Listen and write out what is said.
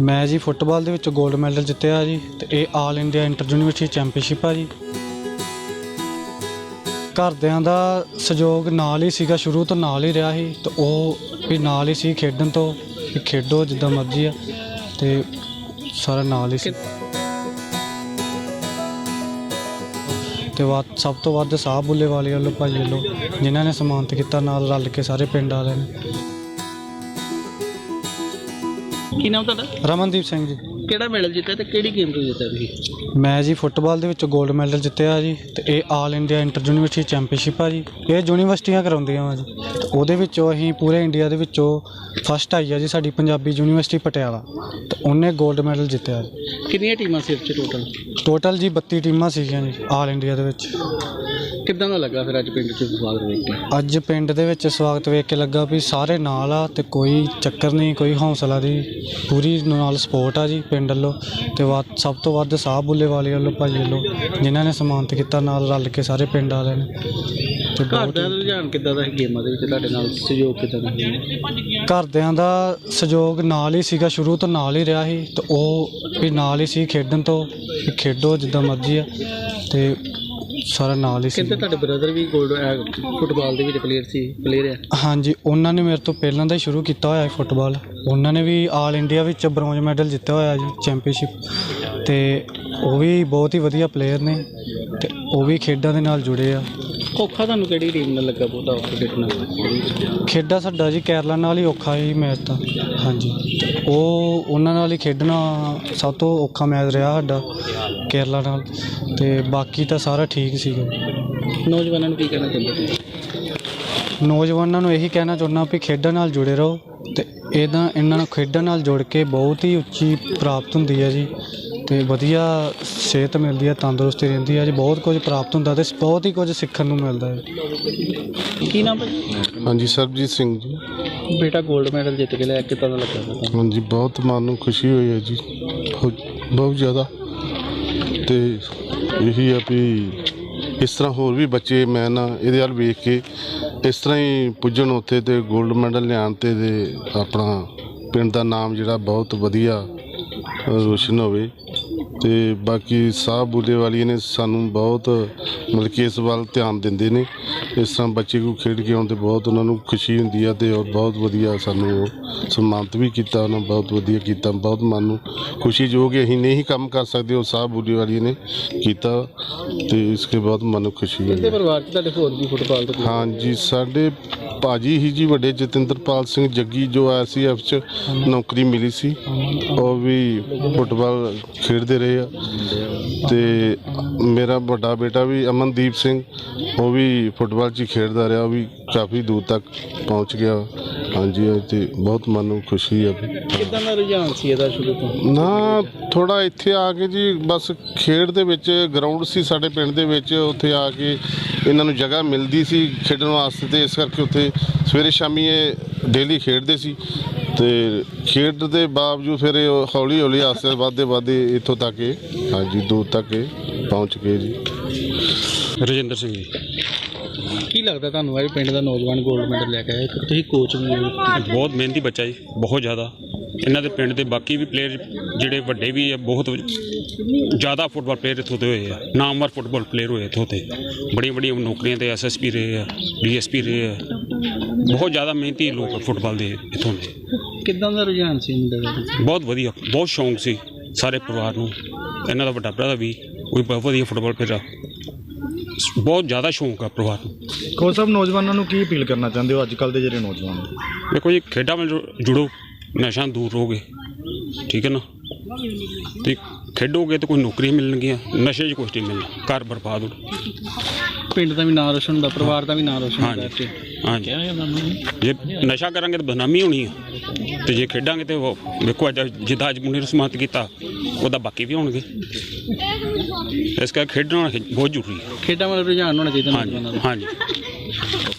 ਮੈਂ ਜੀ ਫੁੱਟਬਾਲ ਦੇ ਵਿੱਚ ਗੋਲਡ ਮੈਡਲ ਜਿੱਤਿਆ ਜੀ ਤੇ ਇਹ all India inter university championship ਆ ਜੀ। ਘਰਦਿਆਂ ਦਾ ਸਹਿਯੋਗ ਨਾਲ ਹੀ ਸੀਗਾ, ਸ਼ੁਰੂ ਤੋਂ ਨਾਲ ਹੀ ਰਿਹਾ ਸੀ ਤੇ ਉਹ ਵੀ ਨਾਲ ਹੀ ਸੀ ਖੇਡਣ ਤੋਂ, ਵੀ ਖੇਡੋ ਜਿੱਦਾਂ ਮਰਜ਼ੀ ਆ ਤੇ ਸਾਰਾ ਨਾਲ ਹੀ ਸੀ। ਤੇ ਸਭ ਤੋਂ ਵੱਧ ਸਾਹ ਬੁੱਲੇ ਵਾਲੇ ਵੱਲੋਂ ਭਾਈ ਵੱਲੋਂ ਜਿਨ੍ਹਾਂ ਨੇ ਸਨਮਾਨਿਤ ਕੀਤਾ, ਨਾਲ ਰਲ ਕੇ ਸਾਰੇ ਪਿੰਡ ਵਾਲਿਆਂ ਨੇ। ਕੀ ਨਾਮ ਤੁਹਾਡਾ? ਰਮਨਦੀਪ ਸਿੰਘ ਜੀ। ਕਿਹੜਾ ਮੈਡਲ ਜਿੱਤਿਆ ਤੇ ਕਿਹੜੀ ਗੇਮ ਤੋਂ ਜਿੱਤਿਆ ਤੁਸੀਂ? ਮੈਂ ਜੀ ਫੁੱਟਬਾਲ ਦੇ ਵਿੱਚ ਗੋਲਡ ਮੈਡਲ ਜਿੱਤਿਆ ਜੀ ਤੇ ਇਹ all India inter university championship ਆ ਜੀ। ਇਹ ਯੂਨੀਵਰਸਿਟੀਆਂ ਕਰਾਉਂਦੀਆਂ ਵਾ ਜੀ ਤੇ ਉਹਦੇ ਵਿੱਚੋਂ ਅਸੀਂ ਪੂਰੇ ਇੰਡੀਆ ਦੇ ਵਿੱਚੋਂ ਫਸਟ ਆਈ ਆ ਜੀ ਸਾਡੀ ਪੰਜਾਬੀ ਯੂਨੀਵਰਸਿਟੀ ਪਟਿਆਲਾ, ਤੇ ਉਹਨੇ ਗੋਲਡ ਮੈਡਲ ਜਿੱਤਿਆ ਜੀ। ਕਿੰਨੀਆਂ ਟੀਮਾਂ ਸੀ ਇਹ 'ਚ ਟੋਟਲ ਜੀ 32 ਟੀਮਾਂ ਸੀਗੀਆਂ ਜੀ ਆਲ ਇੰਡੀਆ ਦੇ ਵਿੱਚ। ਕਿੱਦਾਂ ਦਾ ਲੱਗਾ ਫਿਰ ਅੱਜ ਪਿੰਡ 'ਚ ਸਵਾਗਤ ਵੇਖ ਕੇ? ਅੱਜ ਪਿੰਡ ਦੇ ਵਿੱਚ ਸਵਾਗਤ ਵੇਖ ਕੇ ਲੱਗਾ ਵੀ ਸਾਰੇ ਨਾਲ ਆ ਤੇ ਕੋਈ ਚੱਕਰ ਨਹੀਂ, ਕੋਈ ਹੌਸਲਾ ਦੀ ਪੂਰੀ ਨਾਲ ਸਪੋਰਟ ਆ ਜੀ ਪਿੰਡ ਵੱਲੋਂ। ਤੇ ਸਭ ਤੋਂ ਵੱਧ ਸਾਹ ਬੁੱਲੇ ਵਾਲੇ ਵੱਲੋਂ ਭਾਈ ਵੱਲੋਂ ਜਿਨ੍ਹਾਂ ਨੇ ਸਨਮਾਨਿਤ ਕੀਤਾ, ਨਾਲ ਰਲ ਕੇ ਸਾਰੇ ਪਿੰਡ ਵਾਲਿਆਂ ਨੇ। ਤੇ ਘਰ ਦਾ ਰੁਝਾਨ ਕਿੱਦਾਂ ਦਾ ਸੀ ਗੇਮਾਂ ਦੇ ਵਿੱਚ, ਤੁਹਾਡੇ ਨਾਲ ਸਹਿਯੋਗ ਕਿੱਦਾਂ ਦਾ? ਘਰਦਿਆਂ ਦਾ ਸਹਿਯੋਗ ਨਾਲ ਹੀ ਸੀਗਾ, ਸ਼ੁਰੂ ਤੋਂ ਨਾਲ ਹੀ ਰਿਹਾ ਸੀ ਤੇ ਉਹ ਵੀ ਨਾਲ ਹੀ ਸੀ ਖੇਡਣ ਤੋਂ, ਵੀ ਖੇਡੋ ਜਿੱਦਾਂ ਮਰਜ਼ੀ ਆ ਤੇ ਸਾਰਾ ਨਾਲ ਹੀ ਸੀ। ਕਹਿੰਦੇ ਤੁਹਾਡੇ ਬ੍ਰਦਰ ਵੀ ਗੋਲਡ ਫੁੱਟਬਾਲ ਦੇ ਵਿੱਚ ਪਲੇਅਰ ਆ? ਹਾਂਜੀ, ਉਹਨਾਂ ਨੇ ਮੇਰੇ ਤੋਂ ਪਹਿਲਾਂ ਦਾ ਹੀ ਸ਼ੁਰੂ ਕੀਤਾ ਹੋਇਆ ਹੈ ਫੁੱਟਬਾਲ। ਉਹਨਾਂ ਨੇ ਵੀ ਆਲ ਇੰਡੀਆ ਵਿੱਚ ਬ੍ਰੌਂਜ ਮੈਡਲ ਜਿੱਤਿਆ ਹੋਇਆ ਜੀ ਚੈਂਪੀਅਨਸ਼ਿਪ, ਤੇ ਉਹ ਵੀ ਬਹੁਤ ਹੀ ਵਧੀਆ ਪਲੇਅਰ ਨੇ ਤੇ ਉਹ ਵੀ ਖੇਡਾਂ ਦੇ ਨਾਲ ਜੁੜੇ ਆ। ਔਖਾ ਤੁਹਾਨੂੰ ਕਿਹੜੀ ਟੀਮ ਨਾਲ ਲੱਗਾ ਬਹੁਤਾ ਔਖਾ ਖੇਡਣਾ? ਖੇਡਾਂ ਸਾਡਾ ਜੀ ਕੇਰਲਾ ਨਾਲ ਹੀ ਔਖਾ ਹੀ ਮੈਚ ਤਾਂ। ਹਾਂਜੀ, ਉਹ ਉਹਨਾਂ ਨਾਲ ਹੀ ਖੇਡਣਾ ਸਭ ਤੋਂ ਔਖਾ ਮੈਚ ਰਿਹਾ ਸਾਡਾ ਕੇਰਲਾ ਨਾਲ, ਤੇ ਬਾਕੀ ਤਾਂ ਸਾਰਾ ਠੀਕ ਸੀਗਾ। ਨੌਜਵਾਨਾਂ ਨੂੰ ਕੀ ਕਹਿਣਾ ਚਾਹੁੰਦੇ ਤੁਸੀਂ? ਨੌਜਵਾਨਾਂ ਨੂੰ ਇਹੀ ਕਹਿਣਾ ਚਾਹੁੰਦਾ ਵੀ ਖੇਡਾਂ ਨਾਲ ਜੁੜੇ ਰਹੋ ਤੇ ਇਹਨਾਂ ਨੂੰ ਖੇਡਾਂ ਨਾਲ ਜੁੜ ਕੇ ਬਹੁਤ ਹੀ ਉੱਚੀ ਪ੍ਰਾਪਤ ਹੁੰਦੀ ਹੈ ਜੀ, ਤੇ ਵਧੀਆ ਸਿਹਤ ਮਿਲਦੀ ਹੈ, ਤੰਦਰੁਸਤੀ ਰਹਿੰਦੀ ਹੈ ਜੀ, ਬਹੁਤ ਕੁਝ ਪ੍ਰਾਪਤ ਹੁੰਦਾ ਤੇ ਬਹੁਤ ਹੀ ਕੁਝ ਸਿੱਖਣ ਨੂੰ ਮਿਲਦਾ ਹੈ। ਕੀ ਨਾਮ ਭਾਜੀ? ਹਾਂਜੀ, ਸਰਬਜੀਤ ਸਿੰਘ ਜੀ। ਬੇਟਾ ਗੋਲਡ ਮੈਡਲ ਜਿੱਤ ਕੇ ਲਿਆ, ਕਿੱਦਾਂ ਦਾ ਲੱਗਾ ਤੁਹਾਨੂੰ? ਹਾਂਜੀ, ਬਹੁਤ ਮਨ ਨੂੰ ਖੁਸ਼ੀ ਹੋਈ ਹੈ ਜੀ, ਬਹੁਤ ਜ਼ਿਆਦਾ। ਤੇ ਇਹੀ ਆ ਵੀ ਇਸ ਤਰ੍ਹਾਂ ਹੋਰ ਵੀ ਬੱਚੇ ਮੈਂ ਨਾ ਇਹਦੇ ਵੱਲ ਵੇਖ ਕੇ ਇਸ ਤਰ੍ਹਾਂ ਹੀ ਪੁੱਜਣ ਉੱਥੇ ਤੇ ਗੋਲਡ ਮੈਡਲ ਲਿਆਉਣ ਤੇ ਆਪਣਾ ਪਿੰਡ ਦਾ ਨਾਮ ਜਿਹੜਾ ਬਹੁਤ ਵਧੀਆ ਰੋਸ਼ਨ ਹੋਵੇ। ਤੇ ਬਾਕੀ ਸਾਹ ਬੁੱਲੇ ਵਾਲੀ ਨੇ ਸਾਨੂੰ ਬਹੁਤ ਮਤਲਬ ਕਿ ਇਸ ਵੱਲ ਧਿਆਨ ਦਿੰਦੇ ਨੇ। ਇਸ ਤਰ੍ਹਾਂ ਬੱਚੇ ਕੋ ਖੇਡ ਕੇ ਆਉਣ 'ਤੇ ਬਹੁਤ ਉਹਨਾਂ ਨੂੰ ਖੁਸ਼ੀ ਹੁੰਦੀ ਆ, ਅਤੇ ਬਹੁਤ ਵਧੀਆ ਸਾਨੂੰ ਉਹ ਸਨਮਾਨਿਤ ਵੀ ਕੀਤਾ, ਉਹਨਾਂ ਬਹੁਤ ਵਧੀਆ ਕੀਤਾ। ਬਹੁਤ ਮਨ ਨੂੰ ਖੁਸ਼ੀ ਜੋ ਕਿ ਅਸੀਂ ਨਹੀਂ ਕੰਮ ਕਰ ਸਕਦੇ ਉਹ ਸਾਹ ਬੁੱਲੇ ਵਾਲੀ ਨੇ ਕੀਤਾ, ਅਤੇ ਇਸ ਕੇ ਬਹੁਤ ਮਨ ਨੂੰ ਖੁਸ਼ੀ ਹੋਈ। ਪਰਿਵਾਰ 'ਚ ਤੁਹਾਡੇ ਹੋਰ ਵੀ ਫੁੱਟਬਾਲ ਤੋਂ? ਹਾਂਜੀ, ਸਾਡੇ ਭਾਜੀ ਹੀ ਜੀ ਵੱਡੇ ਜਤਿੰਦਰਪਾਲ ਸਿੰਘ ਜੱਗੀ, ਜੋ ICF 'ਚ ਨੌਕਰੀ ਮਿਲੀ ਸੀ, ਉਹ ਵੀ ਫੁੱਟਬਾਲ ਖੇਡਦੇ ਰਹੇ ਆ। ਅਤੇ ਮੇਰਾ ਵੱਡਾ ਬੇਟਾ ਵੀ ਅਮਨਦੀਪ ਸਿੰਘ, ਉਹ ਵੀ ਫੁੱਟਬਾਲ 'ਚ ਹੀ ਖੇਡਦਾ ਰਿਹਾ, ਉਹ ਵੀ ਕਾਫੀ ਦੂਰ ਤੱਕ ਪਹੁੰਚ ਗਿਆ। ਹਾਂਜੀ, ਅਤੇ ਬਹੁਤ ਮਨ ਨੂੰ ਖੁਸ਼ੀ ਆ। ਕਿੱਦਾਂ ਦਾ ਰੁਝਾਨ ਸੀ ਇਹਦਾ ਸ਼ੁਰੂ ਤੋਂ? ਨਾ ਥੋੜ੍ਹਾ ਇੱਥੇ ਆ ਕੇ ਜੀ ਬਸ ਖੇਡ ਦੇ ਵਿੱਚ ਗਰਾਊਂਡ ਸੀ ਸਾਡੇ ਪਿੰਡ ਦੇ ਵਿੱਚ, ਉੱਥੇ ਆ ਕੇ ਇਹਨਾਂ ਨੂੰ ਜਗ੍ਹਾ ਮਿਲਦੀ ਸੀ ਖੇਡਣ ਵਾਸਤੇ, ਅਤੇ ਇਸ ਕਰਕੇ ਉੱਥੇ ਸਵੇਰੇ ਸ਼ਾਮੀ ਇਹ ਡੇਲੀ ਖੇਡਦੇ ਸੀ। ਅਤੇ ਖੇਡ ਦੇ ਬਾਵਜੂਦ ਫਿਰ ਇਹ ਹੌਲੀ ਹੌਲੀ ਆਸਤੇ ਵੱਧਦੇ ਇੱਥੋਂ ਤੱਕ ਹਾਂਜੀ ਦੂਰ ਤੱਕ ਪਹੁੰਚ ਗਏ ਜੀ। ਰਜਿੰਦਰ ਸਿੰਘ ਜੀ। ਕੀ ਲੱਗਦਾ ਤੁਹਾਨੂੰ ਇਹ ਪਿੰਡ ਦਾ ਨੌਜਵਾਨ ਗੋਲਡ ਮੈਡਲ ਲੈ ਕੇ ਆਇਆ? ਤੁਸੀਂ ਕੋਚ ਵੀ ਹੋ। ਬਹੁਤ ਮਿਹਨਤੀ ਬੱਚਾ ਜੀ, ਬਹੁਤ ਜ਼ਿਆਦਾ। ਇਹਨਾਂ ਦੇ ਪਿੰਡ ਦੇ ਬਾਕੀ ਵੀ ਪਲੇਅਰ ਜਿਹੜੇ ਵੱਡੇ ਵੀ ਆ, ਬਹੁਤ ਜ਼ਿਆਦਾ ਫੁੱਟਬਾਲ ਪਲੇਅਰ ਇੱਥੋਂ ਦੇ ਹੋਏ ਆ, ਨਾਮਵਰ ਫੁੱਟਬਾਲ ਪਲੇਅਰ ਹੋਏ ਇੱਥੋਂ ਤੇ, ਬੜੀਆਂ ਬੜੀਆਂ ਨੌਕਰੀਆਂ ਤੇ SSP ਰਹੇ ਆ, DSP ਰਹੇ ਆ। ਬਹੁਤ ਜ਼ਿਆਦਾ ਮਿਹਨਤੀ ਲੋਕ ਫੁੱਟਬਾਲ ਦੇ ਇੱਥੋਂ ਦੇ। ਕਿੱਦਾਂ ਦਾ ਰੁਝਾਨ ਸੀ ਮੁੰਡੇ ਦਾ? ਬਹੁਤ ਵਧੀਆ, ਬਹੁਤ ਸ਼ੌਂਕ ਸੀ ਸਾਰੇ ਪਰਿਵਾਰ ਨੂੰ। ਇਹਨਾਂ ਦਾ ਵੱਡਾ ਭਰਾ ਵੀ ਉਹ ਵੀ ਬਹੁਤ ਵਧੀਆ ਫੁੱਟਬਾਲ ਪਲੇਅਰ ਆ, ਬਹੁਤ ਜ਼ਿਆਦਾ ਸ਼ੌਂਕ ਆ ਪਰਿਵਾਰ ਨੂੰ। ਕੋਚ ਸਾਹਿਬ, ਨੌਜਵਾਨਾਂ ਨੂੰ ਕੀ ਅਪੀਲ ਕਰਨਾ ਚਾਹੁੰਦੇ ਹੋ ਅੱਜ ਕੱਲ੍ਹ ਦੇ ਜਿਹੜੇ ਨੌਜਵਾਨ? ਦੇਖੋ ਜੀ, ਖੇਡਾਂ ਨਾਲ ਜੁੜੋ, ਨਸ਼ਾ ਦੂਰ ਰਹੋਗੇ, ਠੀਕ ਹੈ ਨਾ, ਅਤੇ ਖੇਡੋਗੇ ਤਾਂ ਕੋਈ ਨੌਕਰੀਆਂ ਮਿਲਣਗੀਆਂ, ਨਸ਼ੇ 'ਚ ਕੁਛ ਨਹੀਂ ਮਿਲਣਾ, ਘਰ ਬਰਬਾਦ ਹੋ। ਪਿੰਡ ਦਾ ਵੀ ਨਾਂ ਰੋਸ਼ਨ ਹੁੰਦਾ, ਪਰਿਵਾਰ ਦਾ ਵੀ ਨਾਂ ਰੋਸ਼ਨ ਹੁੰਦਾ। ਹਾਂਜੀ, ਜੇ ਨਸ਼ਾ ਕਰਾਂਗੇ ਤਾਂ ਬਦਨਾਮੀ ਹੋਣੀ ਆ, ਅਤੇ ਜੇ ਖੇਡਾਂਗੇ ਤਾਂ ਉਹ ਵੇਖੋ ਅੱਜ ਜਿੱਦਾਂ ਅੱਜ ਮੁੰਡੇ ਨੂੰ ਸਨਮਾਨਿਤ ਕੀਤਾ, ਉਹਦਾ ਬਾਕੀ ਵੀ ਹੋਣਗੇ। ਇਸ ਕਰਕੇ ਖੇਡਣਾ ਬਹੁਤ ਜ਼ਰੂਰੀ ਹੈ। ਖੇਡਾਂ ਵੱਲ ਰੁਝਾਨ ਹੋਣਾ ਚਾਹੀਦਾ। ਹਾਂਜੀ।